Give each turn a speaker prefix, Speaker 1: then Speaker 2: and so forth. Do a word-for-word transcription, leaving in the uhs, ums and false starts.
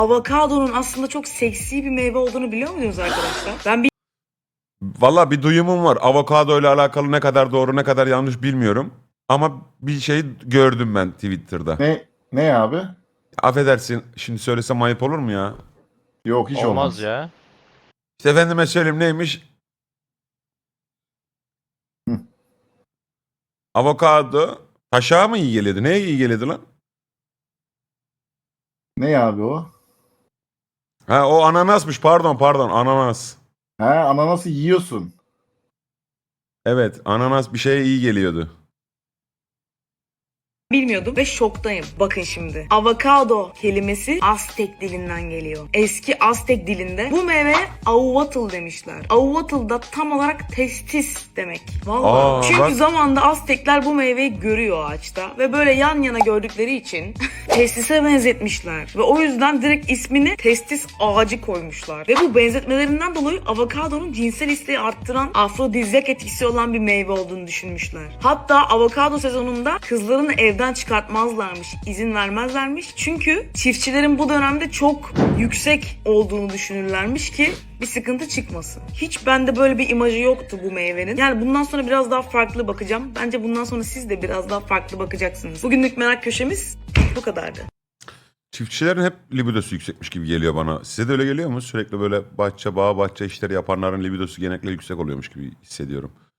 Speaker 1: avokadonun aslında çok seksi bir meyve olduğunu biliyor muydunuz arkadaşlar? Ben
Speaker 2: Valla bir duyumum var. Avokado ile alakalı ne kadar doğru ne kadar yanlış bilmiyorum. Ama bir şey gördüm ben Twitter'da.
Speaker 3: Ne ne abi?
Speaker 2: Affedersin şimdi söylesem ayıp olur mu ya?
Speaker 3: Yok hiç
Speaker 4: Olmaz
Speaker 3: olmaz.
Speaker 4: ya.
Speaker 2: İşte efendime söyleyeyim neymiş?
Speaker 3: Hı.
Speaker 2: Avokado taşağa mı iyi geliyordu? Neye iyi geliyordu lan?
Speaker 3: Ne abi o?
Speaker 2: Ha o ananasmış pardon pardon ananas.
Speaker 3: Ha, ananası yiyorsun.
Speaker 2: Evet ananas bir şeye iyi geliyordu.
Speaker 1: bilmiyordum ve şoktayım. Bakın şimdi. Avokado kelimesi Aztek dilinden geliyor. Eski Aztek dilinde bu meyveye ahuatl demişler. Ahuatl da tam olarak testis demek. Vallahi.
Speaker 2: Aa,
Speaker 1: Çünkü
Speaker 2: bak.
Speaker 1: zamanda Aztekler bu meyveyi görüyor ağaçta ve böyle yan yana gördükleri için testise benzetmişler. Ve o yüzden direkt ismini testis ağacı koymuşlar. Ve bu benzetmelerinden dolayı avokadonun cinsel isteği arttıran afrodizyak etkisi olan bir meyve olduğunu düşünmüşler. Hatta avokado sezonunda kızlarını evden çıkartmazlarmış, izin vermezlermiş. Çünkü çiftçilerin bu dönemde çok yüksek olduğunu düşünürlermiş ki bir sıkıntı çıkmasın. Hiç bende böyle bir imajı yoktu bu meyvenin. Yani bundan sonra biraz daha farklı bakacağım. Bence bundan sonra siz de biraz daha farklı bakacaksınız. Bugünlük merak köşemiz bu kadardı.
Speaker 2: Çiftçilerin hep libidosu yüksekmiş gibi geliyor bana. Size de öyle geliyor mu? Sürekli böyle bahçe, bağ, bahçe işleri yapanların libidosu genellikle yüksek oluyormuş gibi hissediyorum.